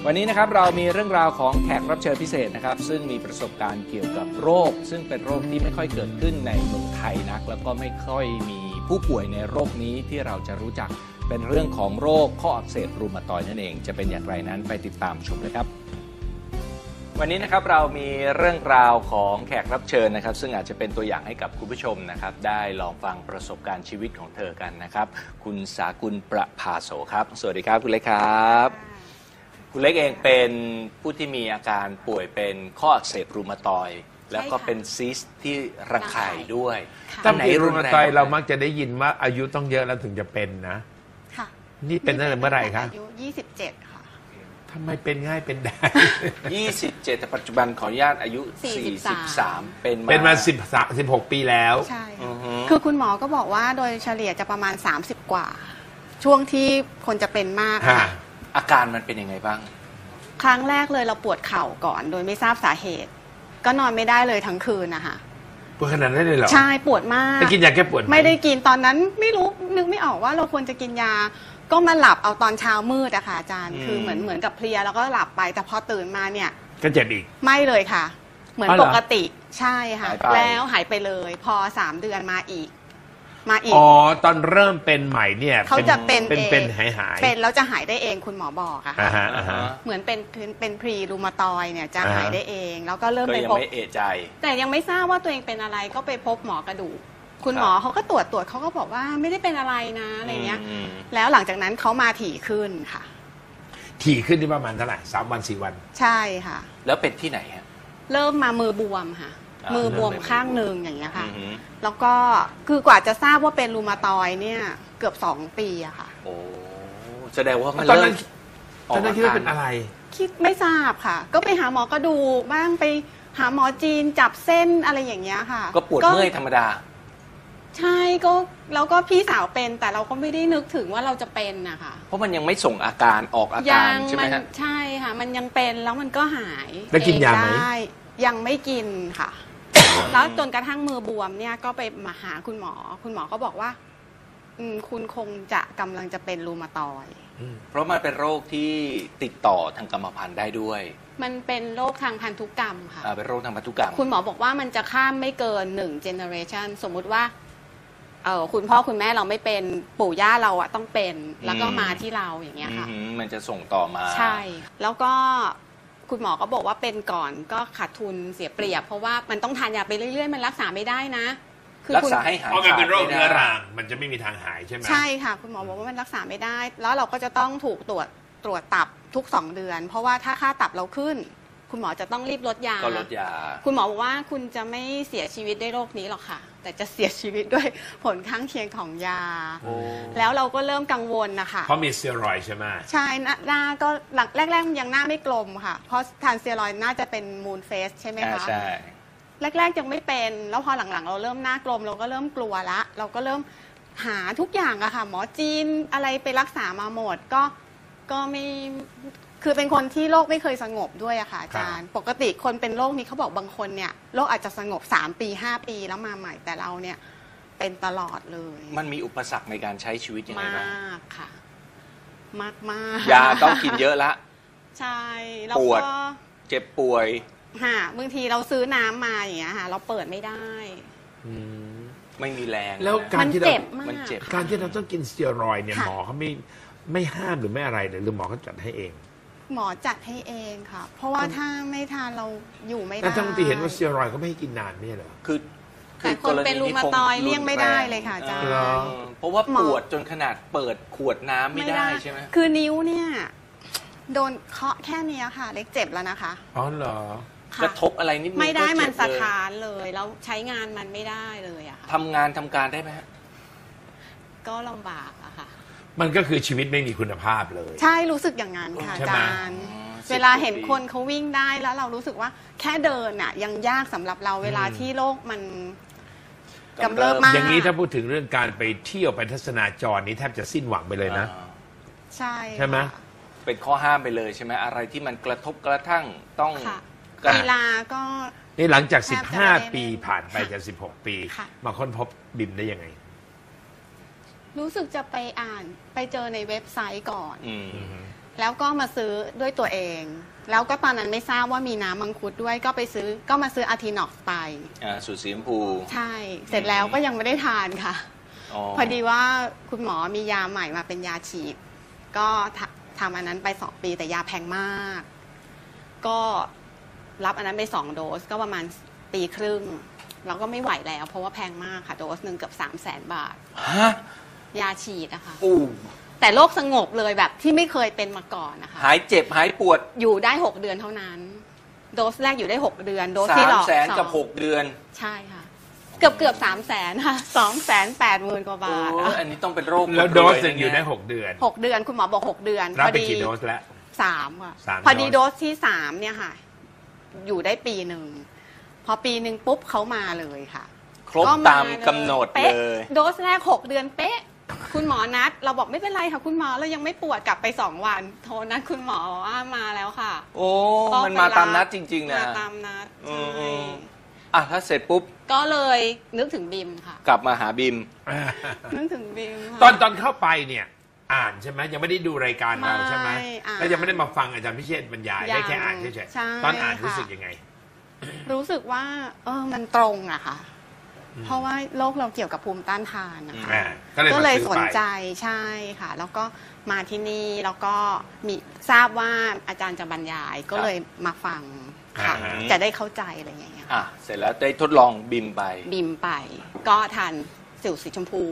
วันนี้นะครับเรามีเรื่องราวของแขกรับเชิญพิเศษนะครับซึ่งมีประสบการณ์เกี่ยวกับโรคซึ่งเป็นโรคที่ไม่ค่อยเกิดขึ้นในเมืองไทยนักแล้วก็ไม่ค่อยมีผู้ป่วยในโรคนี้ที่เราจะรู้จักเป็นเรื่องของโรคข้ออักเสบรูมาตอยด์นั่นเองจะเป็นอย่างไรนั้นไปติดตามชมเลยครับวันนี้นะครับเรามีเรื่องราวของแขกรับเชิญนะครับซึ่งอาจจะเป็นตัวอย่างให้กับคุณผู้ชมนะครับได้ลองฟังประสบการณ์ชีวิตของเธอกันนะครับคุณสากุลประภาโสครับสวัสดีครับคุณเล็กครับคุณเล็กเองเป็นผู้ที่มีอาการป่วยเป็นข้ออักเสบรูมาตอยด์แล้วก็เป็นซิสต์ที่รังไข่ด้วยถ้าเป็นรูมาตอยด์เรามักจะได้ยินว่าอายุต้องเยอะแล้วถึงจะเป็นนะค่ะนี่เป็นตั้งแต่เมื่อไหร่คะอายุ27ค่ะทำไมเป็นง่ายเป็นได้ 27แต่ปัจจุบันขออนุญาตอายุ43เป็นมา 16 ปีแล้วใช่คือคุณหมอก็บอกว่าโดยเฉลี่ยจะประมาณ30กว่าช่วงที่คนจะเป็นมากค่ะอาการมันเป็นยังไงบ้างครั้งแรกเลยเราปวดเข่าก่อนโดยไม่ทราบสาเหตุก็นอนไม่ได้เลยทั้งคืนนะคะปวดขนาดนั้นเลยเหรอใช่ปวดมากไปกินยาแก้ปวดไม่ได้กินตอนนั้นไม่รู้นึกไม่ออกว่าเราควรจะกินยาก็มาหลับเอาตอนเช้ามืดอะค่ะอาจารย์คือเหมือนกับเพลียแล้วก็หลับไปแต่พอตื่นมาเนี่ยก็เจ็บอีกไม่เลยค่ะเหมือนปกติใช่ค่ะแล้วหายไปเลยพอ3 เดือนมาอีกอ๋อตอนเริ่มเป็นใหม่เนี่ยเขาจะเป็นหายเป็นแล้วจะหายได้เองคุณหมอบอกอะค่ะเหมือนเป็นพรีรูมาตอยเนี่ยจะหายได้เองแล้วก็เริ่มไปพบไม่เอะใจแต่ยังไม่ทราบว่าตัวเองเป็นอะไรก็ไปพบหมอกระดูกคุณหมอเขาก็ตรวจเขาก็บอกว่าไม่ได้เป็นอะไรนะอะไรเงี้ยแล้วหลังจากนั้นเขามาถี่ขึ้นค่ะถี่ขึ้นที่ประมาณเท่าไหร่3 วัน 4 วันใช่ค่ะแล้วเป็นที่ไหนฮะเริ่มมามือบวมค่ะมือบวมข้างหนึ่งอย่างเงี้ยค่ะแล้วก็คือกว่าจะทราบว่าเป็นรูมาตอยด์เนี่ยเกือบ2 ปีอะค่ะโอ้แสดงว่าตอนนั้นคิดว่าเป็นอะไรคิดไม่ทราบค่ะก็ไปหาหมอกระดูกบ้างไปหาหมอจีนจับเส้นอะไรอย่างเงี้ยค่ะก็ปวดเมื่อยธรรมดาใช่ก็แล้วก็พี่สาวเป็นแต่เราก็ไม่ได้นึกถึงว่าเราจะเป็นนะคะเพราะมันยังไม่ส่งอาการออกอาการใช่ไหมฮะใช่ค่ะมันยังเป็นแล้วมันก็หายแล้วกินยาไหมยังไม่กินค่ะแล้วจนกระทั่งมือบวมเนี่ยก็ไปมาหาคุณหมอก็บอกว่าคุณคงจะกำลังจะเป็นรูมาตอยด์เพราะมันเป็นโรคที่ติดต่อทางกรรมพันธุ์ได้ด้วยมันเป็นโรคทางพันธุกรรมค่ะเป็นโรคทางพันธุกรรมคุณหมอบอกว่ามันจะข้ามไม่เกิน1 generation สมมุติว่าคุณพ่อคุณแม่เราไม่เป็นปู่ย่าเราอะต้องเป็นแล้วก็มาที่เราอย่างเงี้ยค่ะมันจะส่งต่อมาใช่แล้วก็คุณหมอก็บอกว่าเป็นก่อนก็ขาดทุนเสียเปรียบเพราะว่ามันต้องทานยาไปเรื่อยๆมันรักษาไม่ได้นะรักษาให้หายเพราะมันเป็นโรคเรื้อรังมันจะไม่มีทางหายใช่ไหมใช่ค่ะคุณหมอบอกว่ามันรักษาไม่ได้แล้วเราก็จะต้องถูกตรวจตับทุก2 เดือนเพราะว่าถ้าค่าตับเราขึ้นคุณหมอจะต้องรีบลดยาก็ลดยาคุณหมอบอกว่าคุณจะไม่เสียชีวิตด้วยโรคนี้หรอกค่ะแต่จะเสียชีวิตด้วยผลข้างเคียงของยาแล้วเราก็เริ่มกังวลนะคะเพราะมีสเตียรอยด์ใช่ไหมใช่หน้าก็แรกๆยังหน้าไม่กลมค่ะเพราะทานสเตียรอยด์น่าจะเป็นมูนเฟสใช่ไหมคะใช่แรกๆยังไม่เป็นแล้วพอหลังๆเราเริ่มหน้ากลมเราก็เริ่มกลัวละเราก็เริ่มหาทุกอย่างอะค่ะหมอจีนอะไรไปรักษามาหมดก็ไม่คือเป็นคนที่โรคไม่เคยสงบด้วยอะค่ะอาจารย์ปกติคนเป็นโรคนี้เขาบอกบางคนเนี่ยโรคอาจจะสงบ3 ปี 5 ปีแล้วมาใหม่แต่เราเนี่ยเป็นตลอดเลยมันมีอุปสรรคในการใช้ชีวิตยังไงบ้างมากค่ะมากยาต้องกินเยอะละใช่แล้วก็เจ็บป่วยบางทีเราซื้อน้ำมาอย่างเงี้ยค่ะเราเปิดไม่ได้ไม่มีแรงแล้วการที่เราการที่เราต้องกินสเตียรอยด์เนี่ยหมอเขาไม่ห้ามหรือไม่อะไรเลยหรือหมอเขาจัดให้เองหมอจัดให้เองค่ะเพราะว่าถ้าไม่ทานเราอยู่ไม่ได้แต่ทั้งที่เห็นว่าสเตียรอยด์เขาไม่ให้กินนานไม่เหรอแต่คนเป็นรูมาตอยด์เลี่ยงไม่ได้เลยค่ะอาจารย์เพราะว่าปวดจนขนาดเปิดขวดน้ำไม่ได้ใช่ไหมคือนิ้วเนี่ยโดนเคาะแค่นี้ค่ะเล็กเจ็บแล้วนะคะอ๋อเหรอกระทบอะไรนิดนึงไม่ได้มันสะท้านเลยแล้วใช้งานมันไม่ได้เลยอะทำงานทำการได้ไหมก็ลำบากอะค่ะมันก็คือชีวิตไม่มีคุณภาพเลยใช่รู้สึกอย่างนั้นค่ะอาจารย์เวลาเห็นคนเขาวิ่งได้แล้วเรารู้สึกว่าแค่เดินอะยังยากสำหรับเราเวลาที่โลกมันกำเริบมากอย่างนี้ถ้าพูดถึงเรื่องการไปเที่ยวไปทัศนาจรนี้แทบจะสิ้นหวังไปเลยนะใช่ไหมเป็นข้อห้ามไปเลยใช่ไหมอะไรที่มันกระทบกระทั่งต้องเวลาก็นี่หลังจาก15 ปีผ่านไปจาก16 ปีมาค้นพบบิมได้ยังไงรู้สึกจะไปอ่านไปเจอในเว็บไซต์ก่อนแล้วก็มาซื้อด้วยตัวเอง แล้วก็ตอนนั้นไม่ทราบว่ามีน้ำมังคุดด้วยก็มาซื้ออาร์ทินอกซ์ไปสูตรสีชมพูใช่ เสร็จแล้วก็ยังไม่ได้ทานค่ะ พอดีว่าคุณหมอมียาใหม่มาเป็นยาฉีด ก็ทำอันนั้นไป2 ปีแต่ยาแพงมาก ก็รับอันนั้นไป2 โดสก็ประมาณ1.5 ปีเราก็ไม่ไหวแล้วเพราะว่าแพงมากค่ะโดสหนึ่งเกือบ300,000 บาทฮะยาฉีดนะคะอู้แต่โรคสงบเลยแบบที่ไม่เคยเป็นมาก่อนนะคะหายเจ็บหายปวดอยู่ได้6 เดือนเท่านั้น โดสแรกอยู่ได้6 เดือนโดส 3 ที่หลอกแสนกับ6 เดือนใช่ค่ะ เกือบ300,000ค่ะ280,000 กว่าบาทโอ้อันนี้ต้องเป็นโรคแล้วโดสหนึ่งเลอยู่ได้เนี่ 6 เดือน 6 เดือนคุณหมอบอก6 เดือนรับพอไปดีกี่โดสแล้ว 3ค่ะ 3 พอดีโดโดสสที่3เนี่ยค่ะ อยู่ได้1 ปีพอ1 ปีปุ๊บเขามาเลยค่ะครบตามกำหนดป๊ะเลยโดสแรก6 เดือนเป๊ะคุณหมอนัดเราบอกไม่เป็นไรค่ะคุณหมอเรายังไม่ปวดกลับไป2 วันโทรนัดคุณหมอว่ามาแล้วค่ะโอ้ก็มันมาตามนัดจริงๆนะมาตามนัดอืใช่ม อ่ะถ้าเสร็จปุ๊บก็เลยนึกถึงบิมค่ะกลับมาหาบิมนึกถึงบิมค่ะตอนเข้าไปเนี่ยอ่านใช่ไหมยังไม่ได้ดูรายการเราใช่ไหมไม่อ่านแล้วยังไม่ได้มาฟังอาจารย์พิเชษฐ์บรรยายยังได้แค่อ่านเฉยใช่ๆตอนอ่านรู้ค่ะสึกยังไงรู้สึกว่ามันตรงอะค่ะ เพราะว่าโรคเราเกี่ยวกับภูมิต้านทานนะคะก็เลยสนใจใช่ค่ะ แล้วก็มาที่นี่แล้วก็มีทราบว่าอาจารย์จะบรรยายก็เลยมาฟังค่ะ จะได้เข้าใจอะไรอย่างเงี้ยอ่ะ เสร็จแล้วได้ทดลองบิมไปบิมไป ก็ทานสิวสีชมพู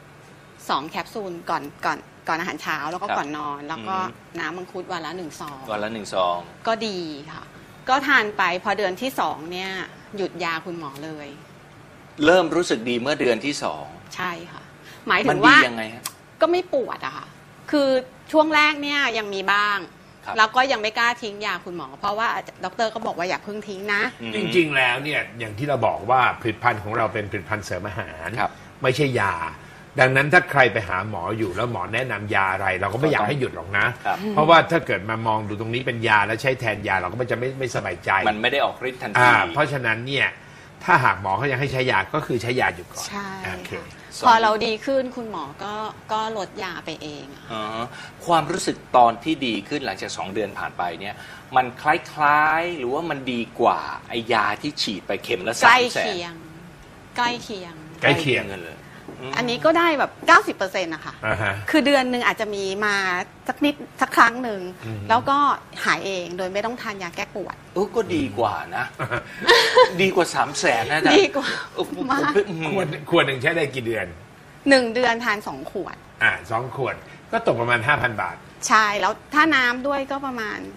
2 แคปซูลก่อนอาหารเช้าแล้วก็ครับก่อนนอน แล้วก็อืมน้ำมังคุดวันละ1 ซองวันละ1 ซองก็ดีค่ะ ก็ทานไปพอเดือนที่2เนี่ยหยุดยาคุณหมอเลยเริ่มรู้สึกดีเมื่อเดือนที่ใช่ค่ะ หมาย 2 ถึมันงดีว่ายังไงฮะก็ไม่ปวดอะค่ะ คือช่วงแรกเนี่ยยังมีบ้างครับแล้วก็ยังไม่กล้าทิ้งยาคุณหมอ เพราะว่าดรก็บอกว่าอย่าเพิ่งทิ้งนะอืมจริงๆแล้วเนี่ยอย่างที่เราบอกว่าผลิตภัณฑ์ของเราเป็นผลิตภัณฑ์เสริมอาหารครับไม่ใช่ยา ดังนั้นถ้าใครไปหาหมออยู่แล้วหมอแนะนำยาอะไร เราก็ไม่อยากให้หยุดหรอกนะครับเพราะว่าถ้าเกิดมามองดูตรงนี้เป็นยาแล้วใช้แทนยาเราก็จะไม่สบายใจมันไม่ได้ออกฤทธิ์ทันทีเพราะฉะนั้นเนี่ยถ้าหากหมอเขายังให้ใช้ยาก็คือใช้ยาอยู่ก่อนใช่โอเคค่ะพอเราดีขึ้นคุณหมอก็ลดยาไปเองอะอ๋อความรู้สึกตอนที่ดีขึ้นหลังจาก2 เดือนผ่านไปเนี่ย มันคล้ายๆ หรือว่ามันดีกว่าไอยาที่ฉีดไปเข็มละใกล้ 300,000 เคียง ใกล้เคียงใกล้เคียงกันเลยอันนี้ก็ได้แบบ 90%นะคะอ่าฮะคือเดือนหนึ่งอาจจะมีมาสักครั้งหนึ่งอืมแล้วก็หายเองโดยไม่ต้องทานยาแก้ปวดก็ดีกว่านะ ดีกว่า300,000นะอาจารย์ดีกว่าโอ้โหมากขวดหนึ่งใช้ได้กี่เดือน 1 เดือนทาน2 ขวด 2 ขวดก็ตกประมาณ 5,000 บาทใช่ แล้วถ้าน้ำด้วยก็ประมาณ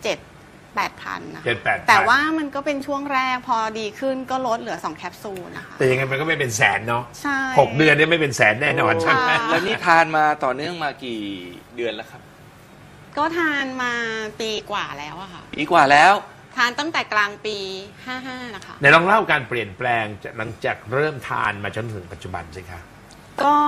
7-8,000นะคะ 7-8,000 แต่ว่ามันก็เป็นช่วงแรกพอดีขึ้นก็ลดเหลือ 2 แคปซูลนะคะแต่ยังไงมันก็ไม่เป็นแสนเนาะใช่ 6 เดือนเนี่ยไม่เป็นแสนแน่นอนใช่ไหมค่ะแล้วนี่ทานมาต่อเนื่องมากี่เดือนแล้วครับก็ทานมาปีกว่าแล้วอะค่ะปีกว่าแล้วทานตั้งแต่กลางปี 55 นะคะไหนลองเล่าการเปลี่ยนแปลงจากหลังจากเริ่มทานมาจนถึงปัจจุบันสิคะก็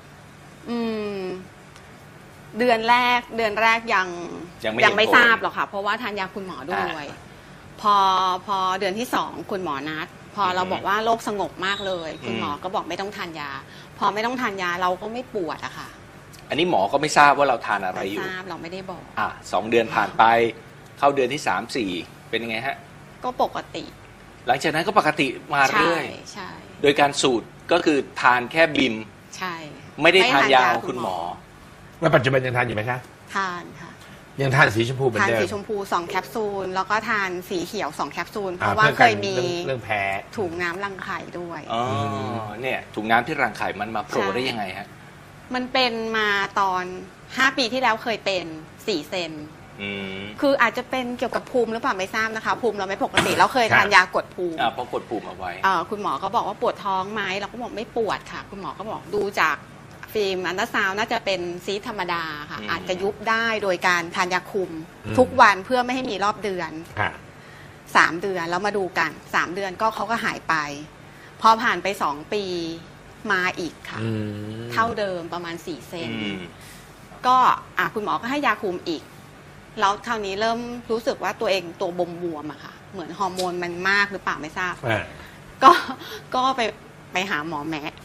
เดือนแรกยังยังไม่เห็นไม่ผลทราบหรอกค่ะ เพราะว่าทานยาคุณหมอด้วย พอเดือนที่2คุณหมอนัด พอเราบอกว่าโรคสงบมากเลย คุณหมอก็บอกไม่ต้องทานยา พอไม่ต้องทานยาเราก็ไม่ปวดอะค่ะอันนี้หมอก็ไม่ทราบว่าเราทานอะไรไม่อยู่ทราบเราไม่ได้บอก 2 เดือนผ่านไป เข้าเดือนที่ 3-4 เป็นยังไงฮะก็ปกติหลังจากนั้นก็ปกติมาใช่เรื่อยใช่โดยการสูตรก็คือทานแค่บิมใช่ไม่ได้ทานยาของคุณหมอแล้วปัจจุบันยังทานอยู่ไหมคะทานค่ะยังทานสีชมพูเหมือนทานเดิมสีชมพู2 แคปซูลแล้วก็ทานสีเขียว2 แคปซูลเพอ่ราะว่าพื่อเคกันยมีเรื่องแพ้ถุงน้ำรังไข่ด้วยอ๋อ เนี่ยถุงน้ำที่รังไข่มันมาโผล่ใช่ได้ยังไงฮะมันเป็นมาตอน5 ปีที่แล้วเคยเป็น4 เซนอืมคืออาจจะเป็นเกี่ยวกับภูมิหรือเปล่าไม่ทราบนะคะ ภูมิเราไม่ปกติเราเคยทานยากดภูมิเพราะกดปุ่มเอาไว้คุณหมอก็บอกว่าปวดท้องไหมเราก็บอกไม่ปวดค่ะ คุณหมอก็บอกดูจากฟิล์มอัลตราซาวน์น่าจะเป็นซีสธรรมดาค่ะอืมอาจจะยุบได้โดยการทานยาคุมอืมทุกวันเพื่อไม่ให้มีรอบเดือนค่ะ 3 เดือนแล้วมาดูกัน3 เดือนก็เขาก็หายไป พอผ่านไป2 ปีมาอีกค่ะ เท่าเดิมประมาณ4 เซนอืมก็คุณหมอก็ให้ยาคุมอีก แล้วคราวนี้เริ่มรู้สึกว่าตัวเองตัวบวมๆอะค่ะ เหมือนฮอร์โมนมันมากหรือเปล่าไม่ทราบ ก็ไปหาหมอแมะ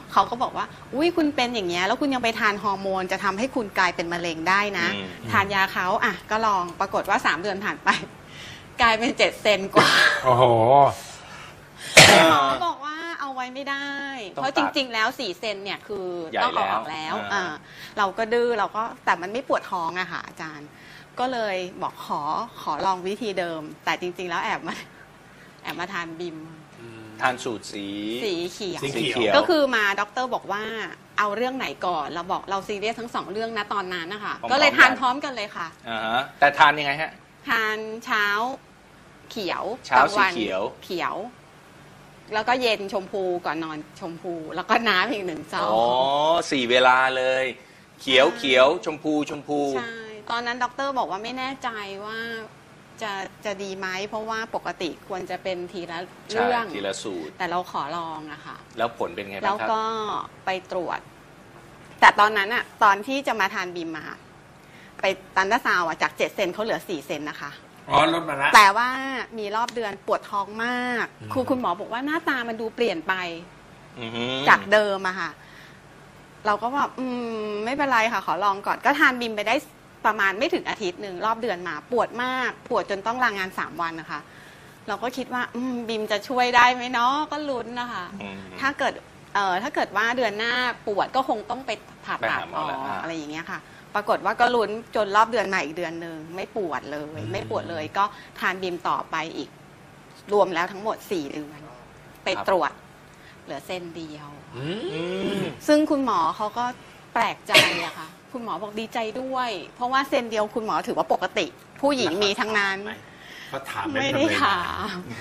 เขาก็บอกว่าอุ้ยคุณเป็นอย่างเงี้ยแล้วคุณยังไปทานฮอร์โมนจะทำให้คุณกลายเป็นมะเร็งได้นะทานยาเขาอ่ะก็ลองปรากฏว่า3 เดือนผ่านไปกลายเป็น7 เซนกว่าโอ้โหหมอบอกว่าเอาไว้ไม่ได้ เพราะจริงๆแล้ว4 เซนเนี่ยคือต้องเอาออกแล้วเราก็ดื้อเราก็แต่มันไม่ปวดท้องอะค่ะอาจารย์ก็เลยบอกขอลองวิธีเดิม แต่จริงๆแล้วแอบมาทานบิมทานสูตรสีเขียวสีเขียวก็คือมาด็อกเตอร์บอกว่าเอาเรื่องไหนก่อนเราบอกเราซีเรียสทั้ง2 เรื่องนะตอนนั้นนะคะก็เลยทานพร้อมกันเลยค่ะแต่ทานยังไงฮะทานเช้าเขียวเช้าสีเขียวแล้วก็เย็นชมพูก่อนนอนชมพูแล้วก็น้ำอีก1 ซอง 4 เวลาเลยเขียวชมพูใช่ตอนนั้นด็อกเตอร์บอกว่าไม่แน่ใจว่าจะดีไหมเพราะว่าปกติควรจะเป็นทีละเรื่องทีละสูตรแต่เราขอลองอะค่ะแล้วผลเป็นไงบ้างครับแล้วก็ไปตรวจแต่ตอนนั้นอะตอนที่จะมาทานบิมมาไปตันดาซาวอะจาก 7 เซนเขาเหลือ4 เซนนะคะลดมาแล้วแต่ว่ามีรอบเดือนปวดท้องมากคุณหมอบอกว่าหน้าตามันดูเปลี่ยนไปจากเดิมอะค่ะเราก็แบบไม่เป็นไรค่ะขอลองก่อนก็ทานบิมไปได้ประมาณไม่ถึงอาทิตย์หนึ่งรอบเดือนมาปวดมากปวดจนต้องลางาน3 วันนะคะเราก็คิดว่าบิมจะช่วยได้ไหมเนาะก็ลุ้นนะคะถ้าเกิดว่าเดือนหน้าปวดก็คงต้องไปผ่าตัดอะไรอย่างเงี้ยค่ะปรากฏว่าก็ลุ้นจนรอบเดือนใหม่อีกเดือนหนึ่งไม่ปวดเลยก็ทานบิมต่อไปอีกรวมแล้วทั้งหมด4 เดือนไปตรวจเหลือเส้นเดียวซึ่งคุณหมอเขาก็แปลกใจอะค่ะคุณหมอบอกดีใจด้วยเพราะว่าเซนเดียวคุณหมอถือว่าปกติผู้หญิงมีทั้งนั้นเขาถามไม่ได้ถาม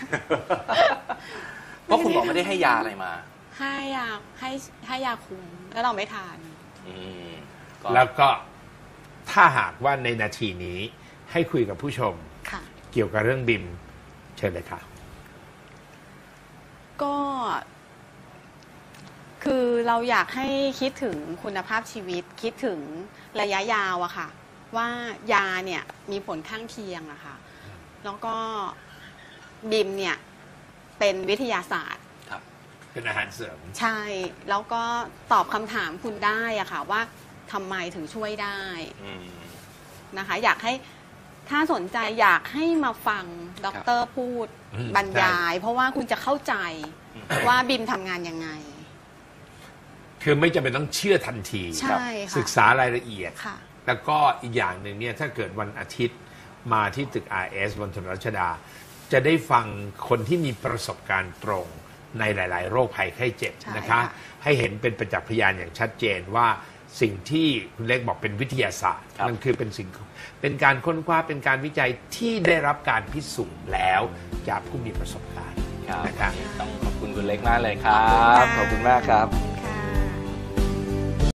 เพราะคุณหมอไม่ได้ให้ยาอะไรมาให้ยาคุมแล้วเราไม่ทานแล้วก็ถ้าหากว่าในนาทีนี้ให้คุยกับผู้ชมเกี่ยวกับเรื่องบิมเชิญเลยค่ะก็คือเราอยากให้คิดถึงคุณภาพชีวิตคิดถึงระยะยาวอะค่ะว่ายาเนี่ยมีผลข้างเคียงอะค่ะแล้วก็บิมเนี่ยเป็นวิทยาศาสตร์เป็นอาหารเสริมใช่แล้วก็ตอบคำถามคุณได้อะค่ะว่าทำไมถึงช่วยได้นะคะอยากให้ถ้าสนใจอยากให้มาฟังด็อกเตอร์พูดบรรยายเพราะว่าคุณจะเข้าใจว่าบิมทำงานยังไงคือไม่จำเป็นต้องเชื่อทันทีศึกษารายละเอียดแล้วก็อีกอย่างหนึ่งเนี่ยถ้าเกิดวันอาทิตย์มาที่ตึก RS บนถนนรัชดาจะได้ฟังคนที่มีประสบการณ์ตรงในหลายๆโรคภัยไข้เจ็บนะคะให้เห็นเป็นประจักษ์พยานอย่างชัดเจนว่าสิ่งที่คุณเล็กบอกเป็นวิทยาศาสตร์มันคือเป็นการค้นคว้าเป็นการวิจัยที่ได้รับการพิสูจน์แล้วจากผู้มีประสบการณ์นะครับต้องขอบคุณคุณเล็กมากเลยครับขอบคุณมากครับ